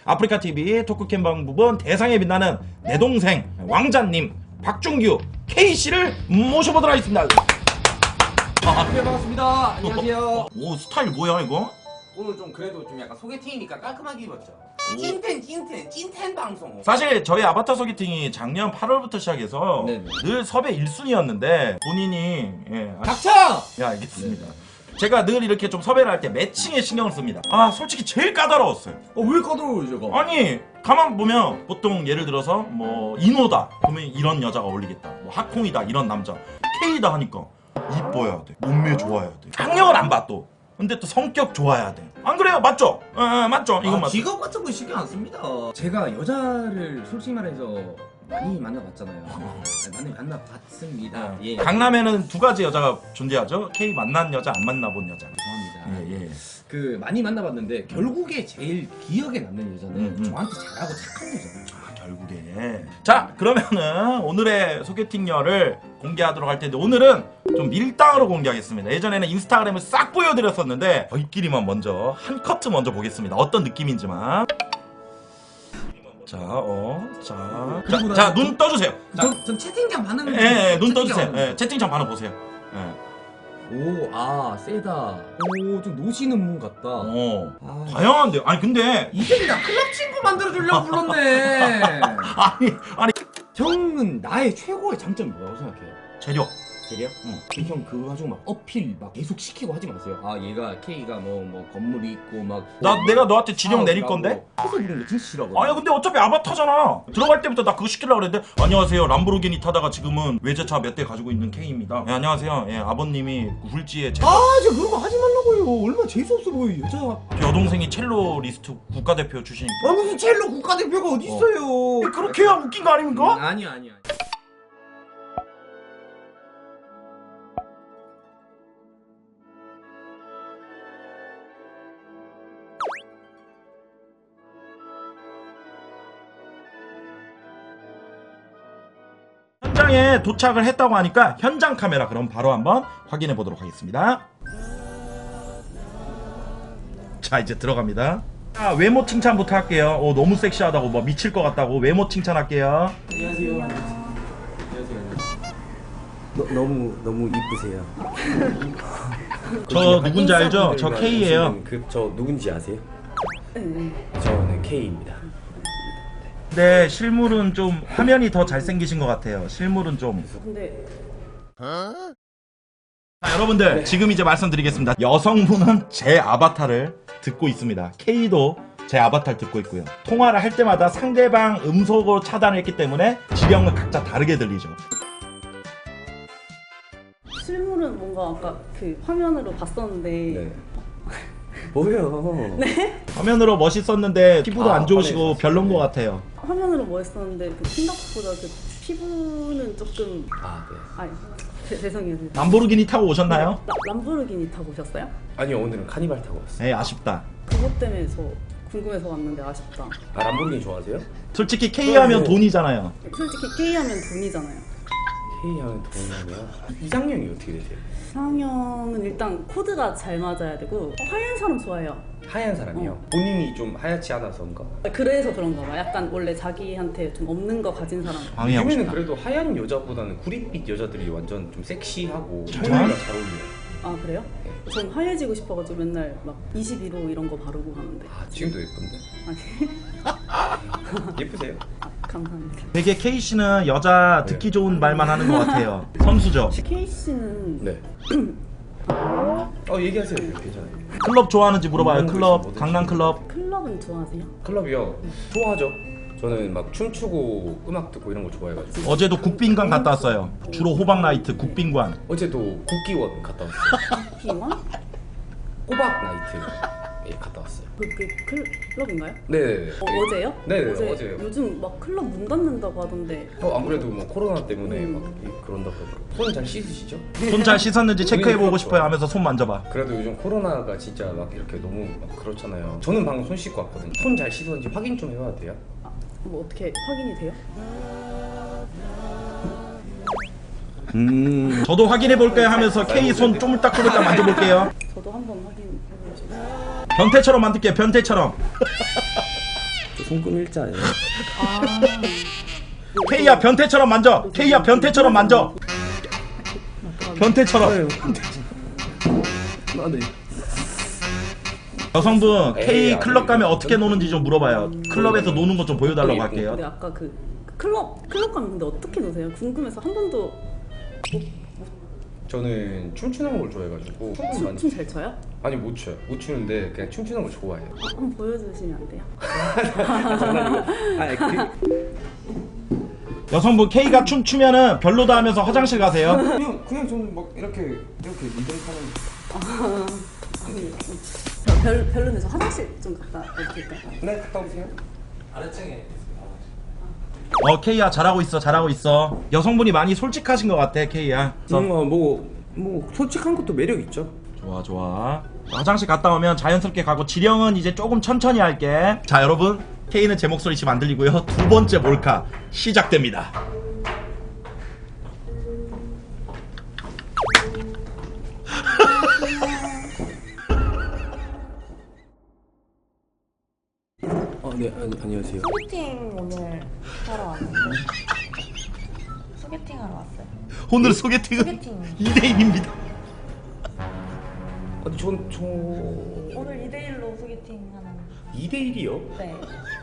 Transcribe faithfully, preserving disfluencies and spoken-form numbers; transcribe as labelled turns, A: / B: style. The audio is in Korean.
A: 아프리카티비 토크캠 방법은 대상에 빛나는 내 동생 왕자님 박준규 K씨를 모셔보도록 하겠습니다.
B: 네, 반갑습니다. 안녕하세요.
A: 오, 스타일 뭐야 이거?
B: 오늘 좀 그래도 좀 약간 소개팅이니까 깔끔하게 입었죠. 찐텐 찐텐 찐텐 방송.
A: 사실 저희 아바타 소개팅이 작년 팔월부터 시작해서
B: 네네.
A: 늘 섭외 일 순위였는데 본인이 예, 아,
B: 닥쳐!
A: 예, 알겠습니다. 제가 늘 이렇게 좀 섭외를 할 때 매칭에 신경을 씁니다. 아, 솔직히 제일 까다로웠어요.
B: 어, 왜 까다로워요, 제가?
A: 아니, 가만 보면 보통 예를 들어서 뭐 인호다 그러면 이런 여자가 어울리겠다, 뭐 하콩이다 이런 남자, K다 하니까 이뻐야 돼, 몸매 좋아야 돼, 학력을 안 봐 또. 근데 또 성격 좋아야 돼. 안 그래요? 맞죠? 어, 어, 맞죠? 이건
B: 아,
A: 맞죠?
B: 직업 같은 거 신경 안 씁니다. 제가 여자를 솔직히 말해서 많이 만나봤잖아요. 아니, 많이 만나봤습니다. 예.
A: 강남에는 두 가지 여자가 존재하죠. K 만난 여자, 안 만나본 여자.
B: 죄송합니다.
A: 예, 예.
B: 그 많이 만나봤는데 결국에 제일 기억에 남는 여자는
A: 음, 음.
B: 저한테 잘하고 착한 여자예요.
A: 아, 결국에. 자, 그러면은 오늘의 소개팅녀를 공개하도록 할 텐데 오늘은 좀 밀당으로 공개하겠습니다. 예전에는 인스타그램을 싹 보여드렸었는데 저희끼리만 먼저 한 커트 먼저 보겠습니다. 어떤 느낌인지만. 자, 어, 자, 자, 자, 눈 떠주세요. 자,
B: 전, 전 채팅창 반응.
A: 예, 예, 눈 떠주세요. 예, 채팅창 반응 보세요. 예.
B: 오, 아, 세다. 오, 좀 노시는 분 같다.
A: 어,
B: 아,
A: 다양한데요. 아니 근데
B: 이제 나 클럽 친구 만들어주려고 불렀네.
A: 아니, 아니
B: 형은 나의 최고의 장점이 뭐라고 생각해요?
A: 재력.
B: 재력? 응. 형 그거 가지고 막 어필 막 계속 시키고 하지 마세요. 아, 얘가 K가 뭐 뭐 건물이 있고 막.
A: 나
B: 뭐,
A: 내가 너한테 지령 내릴
B: 사업이라고
A: 건데?
B: 해서 부르는 거 진짜 싫어하거든.
A: 아니 근데 어차피 아바타잖아. 들어갈 때부터 나 그거 시키려고 그랬는데 안녕하세요, 람보르기니 타다가 지금은 외제차 몇 대 가지고 있는 K입니다. 예, 안녕하세요. 예, 아버님이 훌지에 제
B: 아, 저 그런 거 하지 말라고요. 얼마나 재수없어 보여 여자.
A: 여동생이 첼로 리스트 국가대표 출신이니까.
B: 아, 무슨 첼로 국가대표가 어디 있어요?
A: 그렇게 해야 웃긴 거 아닙니까?
B: 음, 아니야, 아니야.
A: 현장에 도착을 했다고 하니까 현장 카메라 그럼 바로 한번 확인해 보도록 하겠습니다. 자, 이제 들어갑니다. 자, 외모 칭찬부터 할게요. 오, 너무 섹시하다고 뭐 미칠 것 같다고 외모 칭찬할게요.
B: 안녕하세요. 안녕하세요.
C: 너, 너무 너무 이쁘세요.
A: 저 누군지 알죠? 저 K예요.
C: 그저 누군지 아세요?
D: 네.
C: 저는 K입니다.
A: 네, 실물은 좀 화면이 더 잘생기신 것 같아요. 실물은 좀.
D: 근데
A: 자, 여러분들 지금 이제 말씀드리겠습니다. 여성분은 제 아바타를 듣고 있습니다. K도 제 아바타를 듣고 있고요. 통화를 할 때마다 상대방 음소거 차단을 했기 때문에 지령은 각자 다르게 들리죠.
D: 실물은 뭔가 아까 그 화면으로 봤었는데
C: 네. 뭐예요? 네?
A: 화면으로 멋있었는데 피부도
C: 아,
A: 안 좋으시고
C: 화면에서.
A: 별론 것
C: 네.
A: 같아요.
D: 화면으로 멋있었는데 그 생각보다 그 피부는 조금
C: 아 네.
D: 아니 제- 죄송해요.
A: 람보르기니 타고 오셨나요?
D: 라, 람보르기니 타고 오셨어요?
C: 아니요, 오늘은 카니발 타고 왔어요.
A: 네, 아쉽다.
D: 그것 때문에 저 궁금해서 왔는데 아쉽다.
C: 아, 람보르기니 좋아하세요?
A: 솔직히 K 하면
C: 네.
A: 돈이잖아요.
D: 솔직히 K하면 돈이잖아요.
C: K 하면 돈이면 이상형이 어떻게 되세요?
D: 이상형은 일단 코드가 잘 맞아야 되고 하얀 사람 좋아해요.
C: 하얀 사람이요?
D: 어.
C: 본인이 좀 하얗지 않아서인가?
D: 그래서 그런가 봐. 약간 원래 자기한테 좀 없는 거 가진 사람.
A: 방해하고
C: 요즘에는
A: 싶다.
C: 그래도 하얀 여자보다는 구릿빛 여자들이 완전 좀 섹시하고
A: 정말?
C: 청년이랑 잘 어울려요.
D: 아 그래요? 전 하얘지고 싶어가지고 맨날 막 이십일 호 이런 거 바르고 가는데.
C: 아, 지금도 예쁜데?
D: 아니
C: 예쁘세요?
D: 아, 감사합니다.
A: 되게 K씨는 여자 듣기 좋은 말만 하는 것 같아요. 선수죠.
D: K 씨는
C: 네. 어, 얘기하세요. 괜찮아요.
A: 클럽 좋아하는지 물어봐요.
C: 뭐든지
A: 클럽,
C: 뭐든지.
A: 강남 클럽.
D: 클럽은 좋아하세요?
C: 클럽이요? 좋아하죠. 저는 막 춤추고 음악 듣고 이런 거 좋아해가지고
A: 어제도 국빈관 갔다 왔어요. 주로 호박 나이트 국빈관.
C: 어제도 국기원 갔다 왔어요.
D: 기원?
C: 꼬박 나이트에 갔다 왔어요.
D: 그, 그 클럽인가요?
C: 네네네.
D: 어, 어제요?
C: 네네,
D: 어제,
C: 어제요.
D: 요즘 막 클럽 문 닫는다고 하던데.
C: 어, 안 그래도 뭐 코로나 때문에
D: 음.
C: 막 이- 그런다고 손 잘 씻으시죠?
A: 손 잘 씻었는지 체크해보고
C: 그렇죠.
A: 싶어요 하면서 손 만져봐.
C: 그래도 요즘 코로나가 진짜 막 이렇게 너무 막 그렇잖아요. 저는 방금 손 씻고 왔거든요. 손 잘 씻었는지 확인 좀 해봐도 돼요?
D: 아, 뭐 어떻게 확인이 돼요?
A: 음, 저도 확인해볼까요 하면서 K 손 쪼물딱쪼물딱 만져볼게요.
D: 저도 한번 확인해보죠.
A: 변태처럼 만들게요, 변태처럼.
C: 손금 일자예요.
D: 아.
A: K야 변태처럼 만져. K야 변태처럼 만져. 변태처럼.
C: 아, 네.
A: 여성분 K
C: 에이,
A: 클럽
C: 아니,
A: 가면
C: 이거
A: 어떻게 노는지 좀 물어봐요. 클럽에서 노는 거 좀 보여달라고 할게요.
D: 근데 아까 그 클럽 클럽 가면 근데 어떻게 노세요? 궁금해서 한 번도
C: 저는 춤추는 걸 좋아해가지고 춤을 많이
D: 춤 잘 춰요?
C: 아니 못 춰요. 못 추는데 그냥 춤추는 걸 좋아해요.
D: 아, 한번 보여주시면 안 돼요?
C: 아니 그
A: 여성분 K가 춤 추면은 별로다 하면서 화장실 가세요.
C: 그냥 그냥 저는 막 이렇게 이렇게 리듬하는.
D: 아니, 저 별, 별로는 저 화장실 좀 갔다 와도 될까요?
C: 네 갔다 오세요.
A: 어 K야 잘하고 있어 잘하고 있어. 여성분이 많이 솔직하신 것 같아 K야.
C: 뭔가 뭐뭐 솔직한 것도 매력 있죠.
A: 좋아 좋아. 화장실 갔다 오면 자연스럽게 가고 지령은 이제 조금 천천히 할게. 자 여러분 K는 제 목소리 지금 안 들리고요. 두 번째 몰카 시작됩니다.
C: 어, 네 아니, 안녕하세요.
E: 소개팅 오늘 하러 왔어요. 소개팅 하러 왔어요.
A: 오늘 소개팅은
E: 소개팅.
A: 이 대일입니다.
C: 아니 전저
E: 오늘 이 대 일로 소개팅 하는.
C: 이 대 일이요?
E: 네.